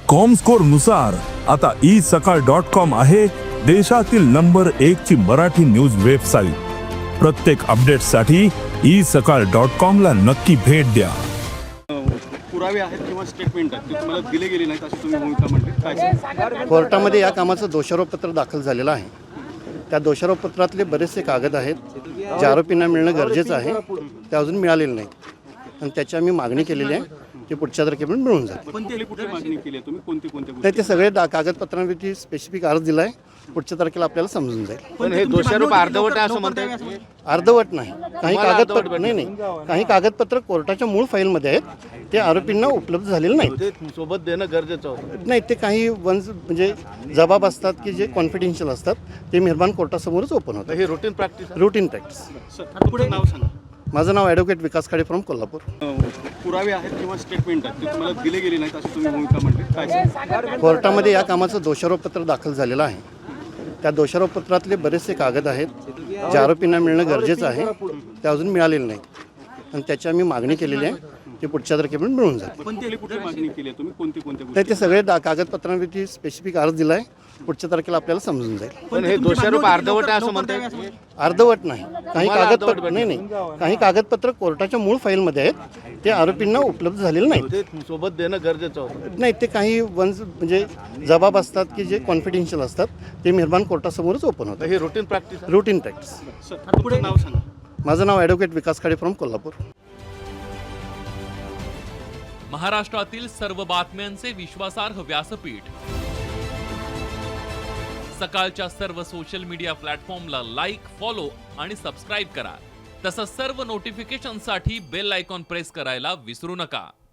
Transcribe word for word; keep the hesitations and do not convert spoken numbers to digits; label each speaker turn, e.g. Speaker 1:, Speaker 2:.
Speaker 1: Comscore नुसार आता E सकाळ डॉट कॉम आहे देशातील नंबर एक ची मराठी न्यूज वेबसाईट। प्रत्येक अपडेटसाठी ई सकाळ डॉट कॉम ला नक्की भेट द्या।
Speaker 2: पुरावे आहेत किंवा स्टेटमेंट आहेत ते तुम्हाला दिले गेले नाहीत अशी तुम्ही भूमिका म्हणली, काय सांगाल?
Speaker 3: कोर्टामध्ये या कामाचं दोषारोपपत्र दाखल झालेलं आहे। त्या दोषारोपपत्रातले बरेचसे कागद आहेत जे आरोपींना मिळणं गरजेचं आहे, ते अजून मिळालेलं नाही आणि त्याची आम्ही मागणी केलेली आहे, ते पुढच्या तारखेपर्यंत मिळून जाते।
Speaker 2: पण त्याला कुठली मागणी केली आहे तुम्ही, कोणती कोणती
Speaker 3: नाही, ते सगळे दा कागदपत्रांवरती स्पेसिफिक अर्ज दिला आहे, पुढच्या तारखेला आपल्याला समजून जाईल।
Speaker 2: पण हे दोषारोप अर्धवट आहे असं म्हणतात?
Speaker 3: अर्धवट नाही, काही कागदपत्र नाही नाही काही कागदपत्र कोर्टाच्या मूळ फाईलमध्ये आहेत, ते आरोपींना उपलब्ध झालेले नाही।
Speaker 2: सोबत देणं गरजेचं होतं?
Speaker 3: नाही, ते काही वन्स म्हणजे जबाब असतात की जे कॉन्फिडेन्शियल असतात, ते मेहरबान कोर्टासमोरच ओपन होतं।
Speaker 2: हे रुटीन प्रॅक्टिस
Speaker 3: रुटीन प्रॅक्टिस।
Speaker 2: पुढे नाव सांगा।
Speaker 3: माझं नाव ॲडव्होकेट विकास खाडे फ्रॉम कोल्हापूर।
Speaker 2: पुरावे आहेत किंवा स्टेटमेंट आहेत ते तुम्हाला दिले गेले नाहीत अशी तुम्ही भूमिका म्हणली, काय सांगाल?
Speaker 3: कोर्टामध्ये या कामाचं दोषारोपपत्र दाखल झालेलं आहे। त्या दोषारोपपत्रातले बरेचसे कागद आहेत जे आरोपींना मिळणं गरजेचं आहे, ते अजून मिळालेलं नाही आणि त्याची आम्ही मागणी केलेली आहे, ते पुढच्या तारखेपर्यंत मिळून जाते।
Speaker 2: पण त्याला कुठली मागणी केली आहे तुम्ही, कोणती कोणती
Speaker 3: नाही, ते सगळे दा कागदपत्रांवरती स्पेसिफिक अर्ज दिला आहे, पुढच्या तारखेला आपल्याला समजून जाईल।
Speaker 2: पण हे दोषारोप अर्धवट आहे असं म्हणतात?
Speaker 3: अर्धवट नाही, काही कागदपत्र नाही नाही काही कागदपत्र कोर्टाच्या मूळ फाईलमध्ये आहेत, ते आरोपींना उपलब्ध झालेले नाही।
Speaker 2: सोबत देणं गरजेचं होतं?
Speaker 3: नाही, ते काही वन्स म्हणजे जबाब असतात की जे कॉन्फिडेन्शियल असतात, ते मेहरबान कोर्टासमोरच ओपन होतं।
Speaker 2: हे रुटीन प्रॅक्टिस
Speaker 3: रुटीन प्रॅक्टिस।
Speaker 2: पुढे नाव सांगा।
Speaker 3: माझं नाव ॲडव्होकेट विकास खाडे फ्रॉम कोल्हापूर।
Speaker 4: महाराष्ट्रातील सर्व बातम्यांचे विश्वासार्ह व्यासपीठ सकाळच्या सर्व सोशल मीडिया प्लॅटफॉर्मला लाईक, फॉलो आणि सबस्क्राईब करा। तसंच सर्व नोटिफिकेशनसाठी बेल आयकॉन प्रेस करायला विसरू नका।